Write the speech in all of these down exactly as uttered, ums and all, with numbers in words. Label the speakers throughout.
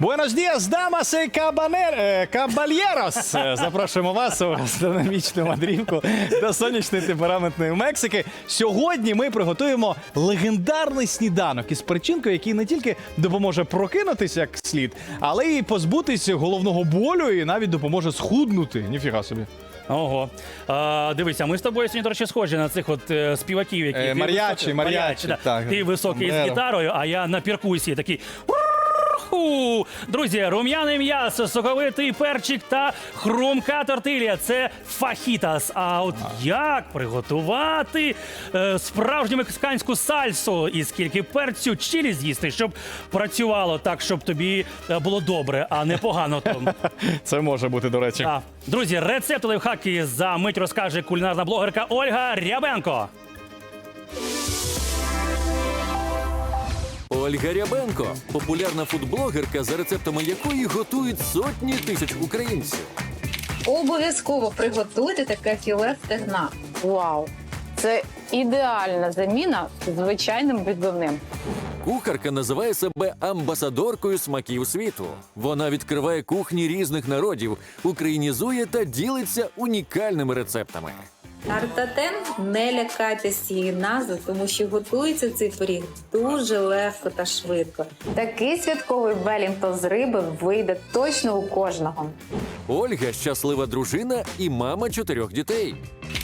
Speaker 1: Buenos días, damas y cabaner... кабальєрос! Запрошуємо вас у гастрономічну мандрівку до сонячної темпераментної Мексики. Сьогодні ми приготуємо легендарний сніданок із перчинкою, який не тільки допоможе прокинутися як слід, але й позбутись головного болю і навіть допоможе схуднути. Ніфіга собі.
Speaker 2: Ого. А, дивися, ми з тобою сьогодні, до речі, схожі на цих от е, співаків, які...
Speaker 1: Е, мар'ячі, мар'ячі,
Speaker 2: да.
Speaker 1: так.
Speaker 2: Ти високий з
Speaker 1: Сомбреро.
Speaker 2: гітарою, а я на перкусії такий... Уху! Друзі, рум'яне м'ясо, соковитий перчик та хрумка тортилья – це фахітас. А от як приготувати е, справжню мексиканську сальсу і скільки перцю чилі з'їсти, щоб працювало так, щоб тобі е, було добре, а не погано там.
Speaker 1: Це може бути, до речі.
Speaker 2: А, друзі, рецепт лайфхаки за мить розкаже кулінарна блогерка Ольга Рябенко.
Speaker 3: Ольга Рябенко – популярна фудблогерка, за рецептами якої готують сотні тисяч українців.
Speaker 4: Обов'язково приготуйте таке філе стегна.
Speaker 5: Вау! Це ідеальна заміна звичайним відбивним.
Speaker 3: Кухарка називає себе амбасадоркою смаків світу. Вона відкриває кухні різних народів, українізує та ділиться унікальними рецептами.
Speaker 4: Тартатен, не лякайтесь цієї назви, тому що готується цей пиріг дуже легко та швидко.
Speaker 5: Такий святковий велінтон з риби вийде точно у кожного.
Speaker 3: Ольга – щаслива дружина і мама чотирьох дітей.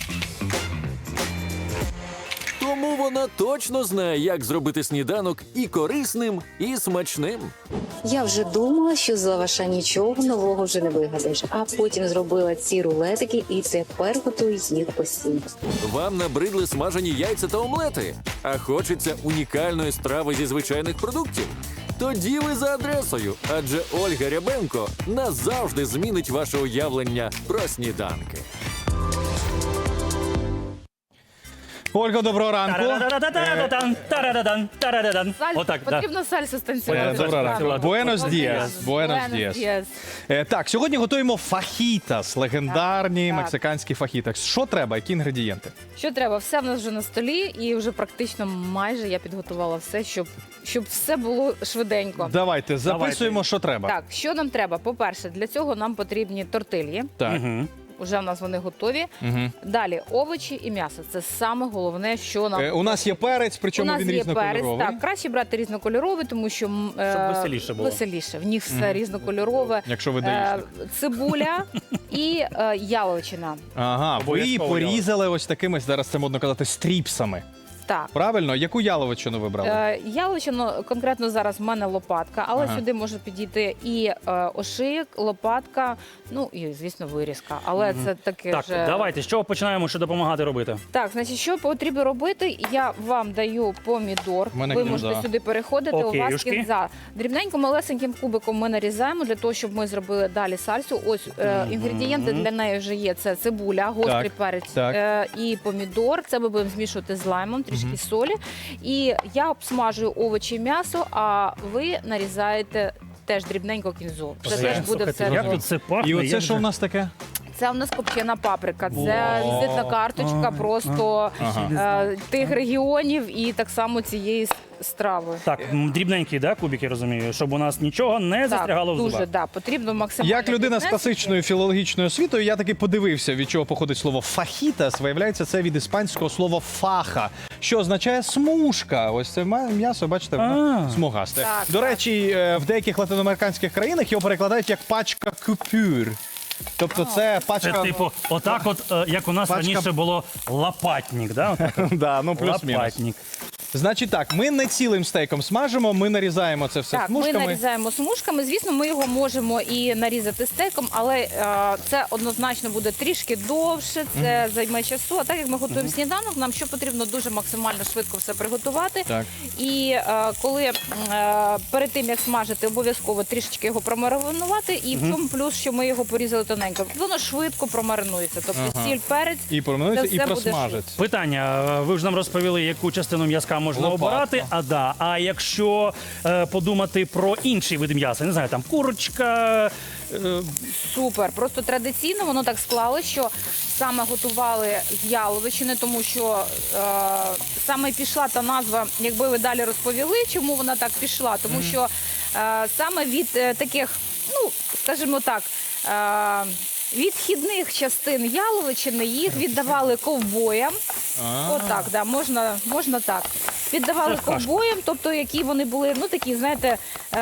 Speaker 3: Тому вона точно знає, як зробити сніданок і корисним, і смачним.
Speaker 6: Я вже думала, що з лаваша нічого нового вже не вигадаєш, а потім зробила ці рулетики і тепер готую їх постійно.
Speaker 3: Вам набридли смажені яйця та омлети? А хочеться унікальної страви зі звичайних продуктів? Тоді ви за адресою, адже Ольга Рябенко назавжди змінить ваше уявлення про сніданки.
Speaker 1: Ольга, доброго ранку.
Speaker 2: Тарададан, тарададан, тарададан. Отак, да.
Speaker 7: Потрібно сальсу станцювати.
Speaker 1: Е, Доброго ранку. Buenos dias. Buenos dias. Е, Так, сьогодні готуємо фахітас, легендарні
Speaker 7: Так, так.
Speaker 1: мексиканські фахітас. Що треба, які інгредієнти?
Speaker 7: Що треба? Все в нас вже на столі, і вже практично майже я підготувала все, щоб, щоб все було швиденько.
Speaker 1: Давайте, записуємо,
Speaker 2: Давайте.
Speaker 1: що треба.
Speaker 7: Так, що нам треба? По-перше, для цього нам потрібні тортильї.
Speaker 1: Так.
Speaker 2: Мгм.
Speaker 7: Уже в нас вони готові.
Speaker 1: Мгм.
Speaker 7: Далі овочі і м'ясо. Це саме головне, що нам
Speaker 1: Е, У нас є перець,
Speaker 7: у
Speaker 1: причому
Speaker 7: нас
Speaker 1: він
Speaker 7: є перець.
Speaker 1: різнокольоровий.
Speaker 7: Так, краще брати різнокольоровий, тому що м, е,
Speaker 2: Щоб веселіше було.
Speaker 7: Веселіше. В них все різнокольорове.
Speaker 1: Якщо ви
Speaker 7: Е,
Speaker 1: доїсте.
Speaker 7: Цибуля і е, яловичина.
Speaker 1: Ага, ви її
Speaker 2: Обов'язково
Speaker 1: порізали ось такими, зараз це модно казати, стріпсами.
Speaker 7: Так.
Speaker 1: Правильно? Яку яловичину ви брали?
Speaker 7: Е, Яловичину конкретно зараз в мене лопатка, але
Speaker 1: Ага.
Speaker 7: сюди може підійти і е, ошийок, лопатка, ну і звісно вирізка. Але це таке
Speaker 2: Так,
Speaker 7: вже...
Speaker 2: давайте, з чого починаємо, що допомагати робити?
Speaker 7: Так, значить, що потрібно робити? Я вам даю помідор.
Speaker 1: В мене
Speaker 7: Ви
Speaker 1: кінза.
Speaker 7: можете сюди переходити. У вас
Speaker 2: Окейушки.
Speaker 7: кінза. Дрібненько малесеньким кубиком ми нарізаємо для того, щоб ми зробили далі сальсу. Ось е, інгредієнти для неї вже є. Це цибуля, гострий
Speaker 1: Так,
Speaker 7: перець
Speaker 1: так.
Speaker 7: Е, і помідор. Це ми будемо змішувати з лаймом, трішки солі. І я обсмажую овочі і м'ясо, а ви нарізаєте теж дрібненько кінзу. Це
Speaker 2: Все.
Speaker 7: теж буде
Speaker 2: Слухайте,
Speaker 7: все
Speaker 2: як
Speaker 7: разом.
Speaker 2: тут це пахне?
Speaker 1: І оце
Speaker 2: як
Speaker 1: що
Speaker 2: же-
Speaker 1: у нас таке?
Speaker 7: Це у нас копчена паприка. Це
Speaker 2: Вау.
Speaker 7: візитна карточка просто
Speaker 1: Ага.
Speaker 7: е, тих регіонів і так само цієї с- страви.
Speaker 2: Так, м, дрібненькі, да, кубики, я розумію, щоб у нас нічого не застрягало в
Speaker 7: дуже,
Speaker 2: зубах.
Speaker 7: да, потрібно максимально.
Speaker 1: Як людина з
Speaker 7: піднести,
Speaker 1: класичною філологічною освітою, я таки подивився, від чого походить слово фахітас. Виявляється, це від іспанського слова фаха, що означає смужка. Ось це ма- м'ясо, бачите, воно
Speaker 2: А.
Speaker 1: смугасте.
Speaker 7: Так,
Speaker 1: До
Speaker 7: так.
Speaker 1: речі, е, в деяких латиноамериканських країнах його перекладають як пачка купюр. Тобто це
Speaker 2: Це
Speaker 1: пачка...
Speaker 2: типу, отак от, е, як у нас
Speaker 1: Пачка-
Speaker 2: раніше було лапатник, да? Отак от.
Speaker 1: Да, ну плюс-мінус.
Speaker 2: Лапатник.
Speaker 1: Значить так, ми не цілим стейком смажимо, ми нарізаємо це все
Speaker 7: Так, ми
Speaker 1: смужками.
Speaker 7: нарізаємо смужками. Звісно, ми його можемо і нарізати стейком, але е, це однозначно буде трішки довше, це займе часу. А так як ми готуємо сніданок, нам що потрібно дуже максимально швидко все приготувати.
Speaker 1: Так.
Speaker 7: І е, коли е, перед тим як смажити, обов'язково трішечки його промаринувати. І в цьому плюс, що ми його порізали тоненько. Воно швидко промаринується. Тобто
Speaker 1: Ага.
Speaker 7: сіль, перець.
Speaker 1: І проминуться,
Speaker 7: Це
Speaker 1: і
Speaker 7: все буде
Speaker 1: просмажиться.
Speaker 2: Питання. Ви ж нам розповіли, яку частину м'язка можна
Speaker 1: Лопатка.
Speaker 2: обирати. А да. А якщо е, подумати про інший вид м'яса, не знаю, там курочка. Е,
Speaker 7: Супер. Просто традиційно воно так склало, що саме готували з яловичини, тому що е, саме пішла та назва, якби ви далі розповіли, чому вона так пішла. Тому що е, саме від е, таких, ну, скажімо так, е, відхідних частин яловичини їх віддавали ковбоям. Отак, да, можна, можна так. Віддавали
Speaker 2: Це кашка.
Speaker 7: ковбоям, тобто які вони були, ну такі, знаєте,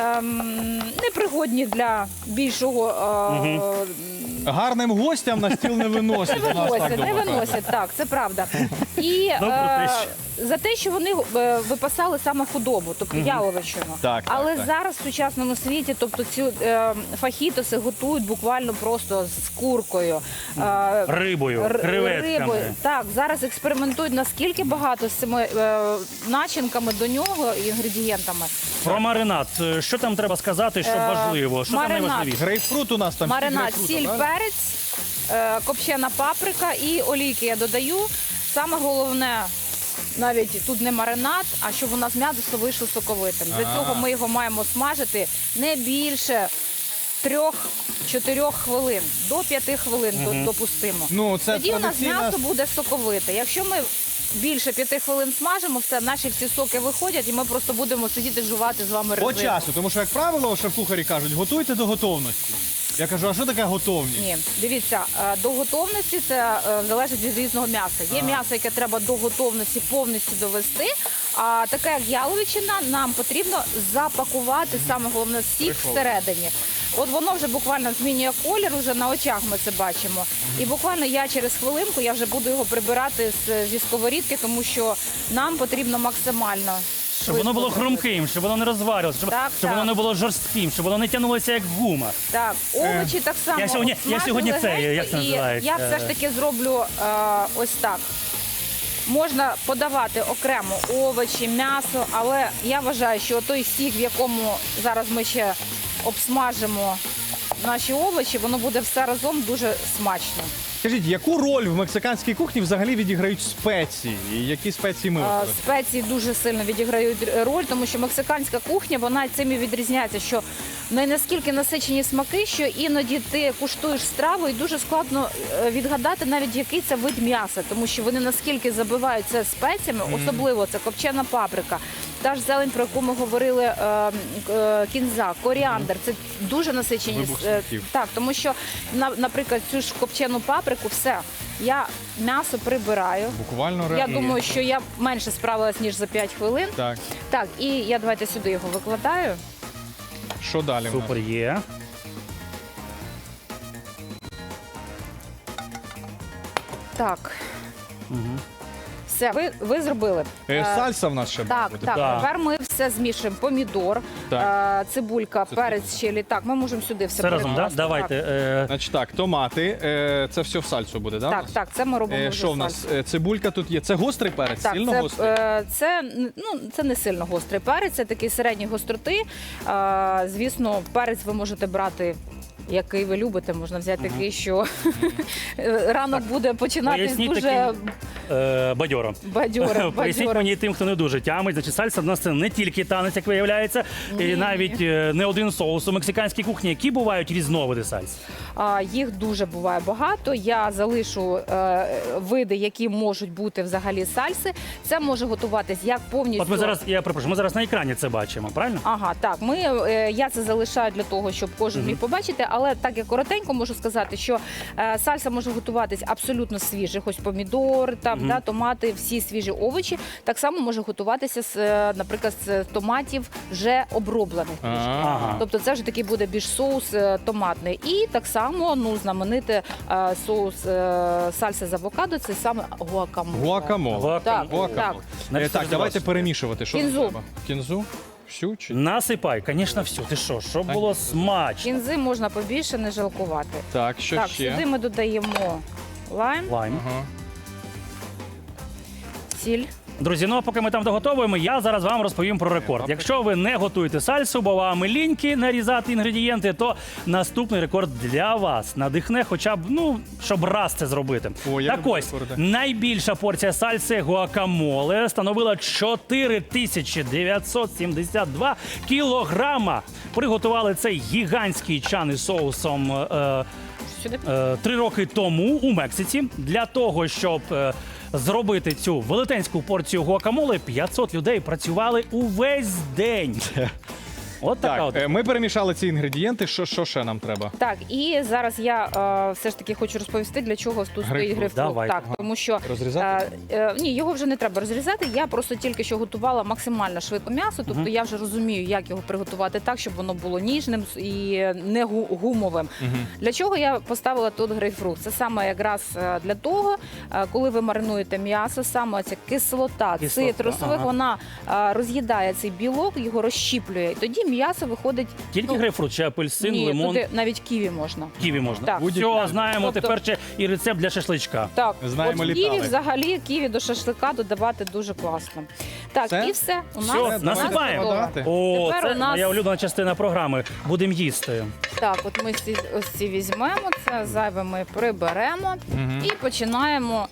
Speaker 7: ем, непригодні для більшого. Е,
Speaker 1: Гарним гостям на стіл не виносять.
Speaker 7: Не
Speaker 1: у нас так
Speaker 7: виносять, не
Speaker 1: дома
Speaker 7: виносять, так, це правда. І
Speaker 2: Ну, про
Speaker 7: е,
Speaker 2: те,
Speaker 7: за те, що вони е, випасали саме худобу, тобто яловичину.
Speaker 1: Так, так,
Speaker 7: Але
Speaker 1: так.
Speaker 7: зараз в сучасному світі, тобто ці е, фахітоси готують буквально просто з куркою. Е,
Speaker 2: Рибою,
Speaker 7: р-
Speaker 2: креветками.
Speaker 7: рибою. Так, зараз експериментують наскільки багато з цими е, начинками до нього і інгредієнтами.
Speaker 2: Про маринад. Е, Що там треба сказати, що
Speaker 7: Е,
Speaker 2: важливо? Що там
Speaker 7: маринад.
Speaker 2: найважливіше?
Speaker 1: Грейпфрут у нас там. стік
Speaker 7: Маринад,
Speaker 1: грейпфрута,
Speaker 7: сіль,
Speaker 1: правильно?
Speaker 7: перець, е, копчена паприка і олійки я додаю. Саме головне, навіть тут не маринад, а щоб у нас м'ясо вийшло соковитим. Для цього ми його маємо смажити не більше трьох-чотирьох хвилин, до п'яти хвилин до- допустимо.
Speaker 1: Ну, це
Speaker 7: Тоді у нас
Speaker 1: традиційна-
Speaker 7: м'ясо буде соковите. Якщо ми більше п'яти хвилин смажимо, все, наші всі соки виходять, і ми просто будемо сидіти жувати з вами
Speaker 1: По
Speaker 7: резину.
Speaker 1: часу, тому що, як правило, шеф-кухарі кажуть, готуйте до готовності. Я кажу, а що таке готовність?
Speaker 7: Ні, дивіться, е, до готовності це е, залежить від різного м'яса. Є м'ясо, яке треба до готовності повністю довести, а таке як яловичина, нам потрібно запакувати, саме головне, сік всередині. От воно вже буквально змінює колір, вже на очах ми це бачимо. І буквально я через хвилинку я вже буду його прибирати з, зі сковорідки, тому що нам потрібно максимально
Speaker 2: Щоб воно було
Speaker 7: швидко
Speaker 2: хрумким, щоб воно не розварювалося, щоб,
Speaker 7: Так,
Speaker 2: щоб
Speaker 7: так.
Speaker 2: воно не було жорстким, щоб воно не тягнулося як гума.
Speaker 7: Так, овочі так само.
Speaker 2: я сьогодні- я
Speaker 7: обсмажили
Speaker 2: сьогодні це,
Speaker 7: легенько,
Speaker 2: як це
Speaker 7: і
Speaker 2: називається?
Speaker 7: Я все ж таки зроблю е, ось так. Можна подавати окремо овочі, м'ясо, але я вважаю, що той сік, в якому зараз ми ще обсмажимо наші овочі, воно буде все разом дуже смачно.
Speaker 1: Скажіть, яку роль в мексиканській кухні взагалі відіграють спеції? І які спеції ми
Speaker 7: Е,
Speaker 1: використовуємо?
Speaker 7: Спеції дуже сильно відіграють роль, тому що мексиканська кухня, вона цим і відрізняється, що не наскільки насичені смаки, що іноді ти куштуєш страву і дуже складно е, відгадати навіть який це вид м'яса, тому що вони наскільки забивають це спеціями, особливо це копчена паприка, та ж зелень, про яку ми говорили, е, е, кінза, коріандр, це дуже насичені.
Speaker 1: Вибух
Speaker 7: е,
Speaker 1: смаків.
Speaker 7: Так, тому що, на- наприклад, цю ж копчену паприку, все, я м'ясо прибираю.
Speaker 1: Буквально
Speaker 7: Я
Speaker 1: реально.
Speaker 7: думаю, що я менше справилась, ніж за п'ять хвилин.
Speaker 1: Так,
Speaker 7: Так, і я давайте сюди його викладаю.
Speaker 1: що далі? в нас?
Speaker 2: Супер є.
Speaker 7: Так. Все, ви, ви зробили.
Speaker 1: Е,
Speaker 7: Е,
Speaker 1: Сальса в нас ще
Speaker 7: Так,
Speaker 1: буде.
Speaker 7: так.
Speaker 2: Так.
Speaker 7: Тепер ми все змішуємо. Помідор,
Speaker 1: Так.
Speaker 7: е, цибулька,
Speaker 1: Це
Speaker 7: перець, чилі. Так, ми можемо сюди все
Speaker 2: Це разом, да?
Speaker 7: перекласти.
Speaker 2: Давайте. е,
Speaker 1: Значить так, томати, е, це все в сальсу буде, да?
Speaker 7: Так,
Speaker 1: в нас?
Speaker 7: так, так, це ми робимо
Speaker 1: Е,
Speaker 7: вже
Speaker 1: Що в
Speaker 7: сальсу.
Speaker 1: нас? Е, Цибулька тут є. Це гострий перець,
Speaker 7: Так,
Speaker 1: сильно
Speaker 7: це,
Speaker 1: гострий?
Speaker 7: е, це, ну, це не сильно гострий перець, це такий середньої гостроти. Е, звісно, перець ви можете брати. Який ви любите, можна взяти такий, що ранок буде починатись
Speaker 2: Поясніть
Speaker 7: дуже
Speaker 2: таким е, бадьоро.
Speaker 7: бадьоро.
Speaker 2: Поясніть
Speaker 7: бадьоро.
Speaker 2: мені тим, хто не дуже тямить. Значить, сальса в нас це не тільки танець, як виявляється, і навіть е, не один соус у мексиканській кухні. Які бувають різновиди сальс?
Speaker 7: А, їх дуже буває багато. Я залишу е, види, які можуть бути взагалі сальси. Це може готуватись як повністю.
Speaker 2: От ми зараз, я перепрошую, ми зараз на екрані це бачимо, правильно?
Speaker 7: Ага, так. Ми е, я це залишаю для того, щоб кожен міг побачити. Але так як коротенько можу сказати, що е, сальса може готуватись абсолютно свіжих. Ось помідор, там да, томати, всі свіжі овочі. Так само може готуватися з, е, наприклад, з томатів вже оброблених. трішки.
Speaker 2: Ага.
Speaker 7: Тобто це вже такий буде більш соус е, томатний. І так само ну знамените е, соус е, сальса з авокадо. Це саме гуакамоле.
Speaker 1: Гуакамоле.
Speaker 7: Так,
Speaker 1: Гуакамоле.
Speaker 7: так.
Speaker 1: Е,
Speaker 2: Значить,
Speaker 1: Так,
Speaker 2: це
Speaker 1: давайте
Speaker 2: розділилося.
Speaker 1: перемішувати. Що нам
Speaker 7: Кінзу.
Speaker 1: треба? Кінзу? Всю чи?
Speaker 2: Насипай, звісно, все. Ти що, щоб було смачно.
Speaker 7: Кінзи можна побільше, не жалкувати.
Speaker 1: Так, що
Speaker 7: Так,
Speaker 1: ще?
Speaker 7: сюди ми додаємо лайм,
Speaker 2: Лайм.
Speaker 1: Ага.
Speaker 7: сіль.
Speaker 2: Друзі, ну а поки ми там доготовуємо, я зараз вам розповім про рекорд. Якщо ви не готуєте сальсу, бо вам ліньки нарізати інгредієнти, то наступний рекорд для вас надихне хоча б, ну, щоб раз це зробити.
Speaker 1: О, я
Speaker 2: так
Speaker 1: люблю
Speaker 2: ось,
Speaker 1: рекорди.
Speaker 2: найбільша порція сальси гуакамоле становила чотири тисячі дев'ятсот сімдесят два кілограма. Приготували цей гігантський чан із соусом е,
Speaker 7: Сюди.
Speaker 2: е, три роки тому у Мексиці. Для того, щоб е, зробити цю велетенську порцію гуакамоле, п'ятсот людей працювали увесь день. От така
Speaker 1: Так,
Speaker 2: от.
Speaker 1: е, ми перемішали ці інгредієнти. Що, що ще нам треба?
Speaker 7: Так, і зараз я е, все ж таки хочу розповісти, для чого тут стоїть
Speaker 1: Грейпфрут.
Speaker 7: грейпфрут.
Speaker 2: Давай.
Speaker 7: Так,
Speaker 1: Ага.
Speaker 7: тому що
Speaker 1: Розрізати?
Speaker 7: е, е, ні, його вже не треба розрізати. Я просто тільки що готувала максимально швидко м'ясо, тобто я вже розумію, як його приготувати так, щоб воно було ніжним і не гу- гумовим. Для чого я поставила тут грейпфрут? Це саме якраз е, для того, е, коли ви маринуєте м'ясо, саме ця кислота,
Speaker 2: Кислота,
Speaker 7: цитрусових,
Speaker 2: ага.
Speaker 7: вона е, роз'їдає цей білок, його розщіплює. І тоді м'ясо виходить.
Speaker 2: Тільки
Speaker 7: ну,
Speaker 2: грейпфрут чи апельсин,
Speaker 7: ні,
Speaker 2: лимон,
Speaker 7: туди навіть ківі можна.
Speaker 2: ківі можна.
Speaker 7: Так.
Speaker 2: Все, знаємо
Speaker 7: Тобто-
Speaker 2: тепер ще і рецепт для шашличка.
Speaker 7: Так,
Speaker 1: Знаємо,
Speaker 7: от
Speaker 1: літали.
Speaker 7: ківі взагалі ківі до шашлика додавати дуже класно. Так,
Speaker 1: Все?
Speaker 7: і все. У нас,
Speaker 2: Все,
Speaker 7: у нас
Speaker 2: насипаємо.
Speaker 7: готово.
Speaker 1: Додати?
Speaker 2: О,
Speaker 7: Тепер
Speaker 2: це
Speaker 7: у нас-
Speaker 2: моя улюблена частина програми. Будемо їсти.
Speaker 7: Так, от ми ці, ось ці візьмемо, це зайве ми приберемо і починаємо.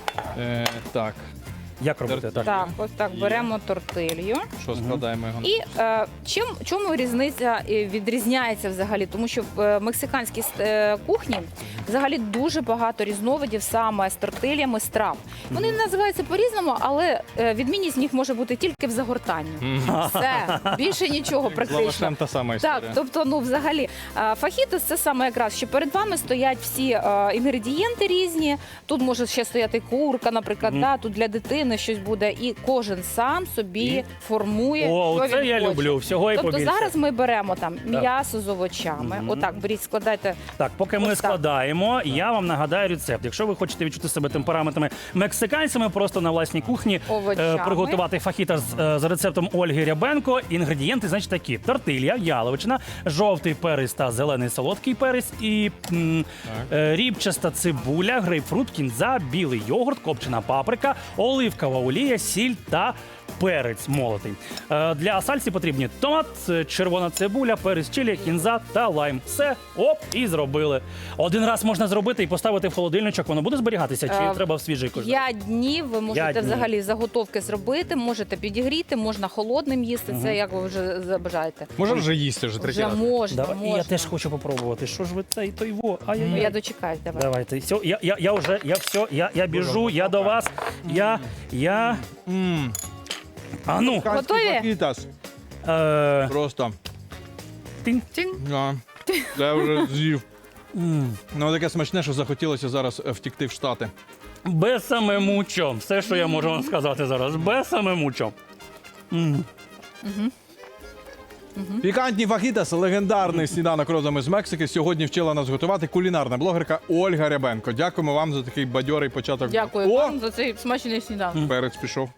Speaker 1: Е, так,
Speaker 2: Як робити? Так.
Speaker 7: Так, ось так беремо тортилью.
Speaker 1: що складаємо його?
Speaker 7: І е, чим чому різниця е, відрізняється взагалі? Тому що в е, мексиканській е, кухні взагалі дуже багато різновидів саме з тортильями страв. Вони називаються по-різному, але е, відмінність в них може бути тільки в загортанні. Все, більше нічого
Speaker 1: З
Speaker 7: практично.
Speaker 1: лавашем та сама історія.
Speaker 7: Так, тобто, ну взагалі, е, фахітос це саме якраз, що перед вами стоять всі е, інгредієнти різні. Тут може ще стояти курка, наприклад, да, тут для дитини щось буде, і кожен сам собі
Speaker 2: І?
Speaker 7: формує.
Speaker 2: О,
Speaker 7: що
Speaker 2: це
Speaker 7: він
Speaker 2: я
Speaker 7: хоче.
Speaker 2: люблю. Всього і
Speaker 7: Тобто
Speaker 2: побільше.
Speaker 7: зараз ми беремо там м'ясо з овочами. Отак, беріть, складайте.
Speaker 2: Так, поки ми
Speaker 7: Ось так.
Speaker 2: складаємо, я вам нагадаю рецепт. Якщо ви хочете відчути себе темпераментами мексиканцями, просто на власній кухні
Speaker 7: Овочами.
Speaker 2: приготувати фахітас е, за рецептом Ольги Рябенко. Інгредієнти, значить, такі: тортилья, яловичина, жовтий перець та зелений солодкий перець, і м, е, рібчаста цибуля, грейпфрут, кінза, білий йогурт, копчена паприка, оливкова олія, сіль та перець молотий. Е, Для сальсі потрібні томат, е, червона цибуля, перець чилі, кінза та лайм. Все, оп, і зробили. Один раз можна зробити і поставити в холодильничок. Воно буде зберігатися, чи
Speaker 7: Е,
Speaker 2: треба в свіжий кожен?
Speaker 7: П'ять днів ви можете
Speaker 2: П'ять днів.
Speaker 7: взагалі заготовки зробити, можете підігріти, можна холодним їсти. Це як ви вже забажаєте.
Speaker 1: Може вже їсти вже третій
Speaker 7: Вже
Speaker 1: раз?
Speaker 7: можна,
Speaker 2: Давай,
Speaker 7: можна.
Speaker 2: я теж хочу попробувати. Що ж ви цей той во? Ай-яй-яй.
Speaker 7: Ну, я дочекаюсь, давай.
Speaker 2: Давайте. Все, я, я, я вже, я все, я, я біжу, я до вас. Я, я.
Speaker 1: Мм,
Speaker 2: А ну.
Speaker 7: Готові?
Speaker 1: факітас.
Speaker 2: Е,
Speaker 1: Просто.
Speaker 2: тинь.
Speaker 1: Да. Я вже з'їв.
Speaker 2: М.
Speaker 1: Ну, таке смачне, що захотілося зараз е, втікти в Штати.
Speaker 2: Без саме мучо. Все, що я можу вам сказати зараз. Без саме мучо. М.
Speaker 1: Пікантні фахітас, легендарний сніданок родом із Мексики. Сьогодні вчила нас готувати кулінарна блогерка Ольга Рябенко. Дякуємо вам за такий бадьорий початок.
Speaker 7: Дякую
Speaker 1: О,
Speaker 7: вам за цей смачний сніданок.
Speaker 1: перець пішов.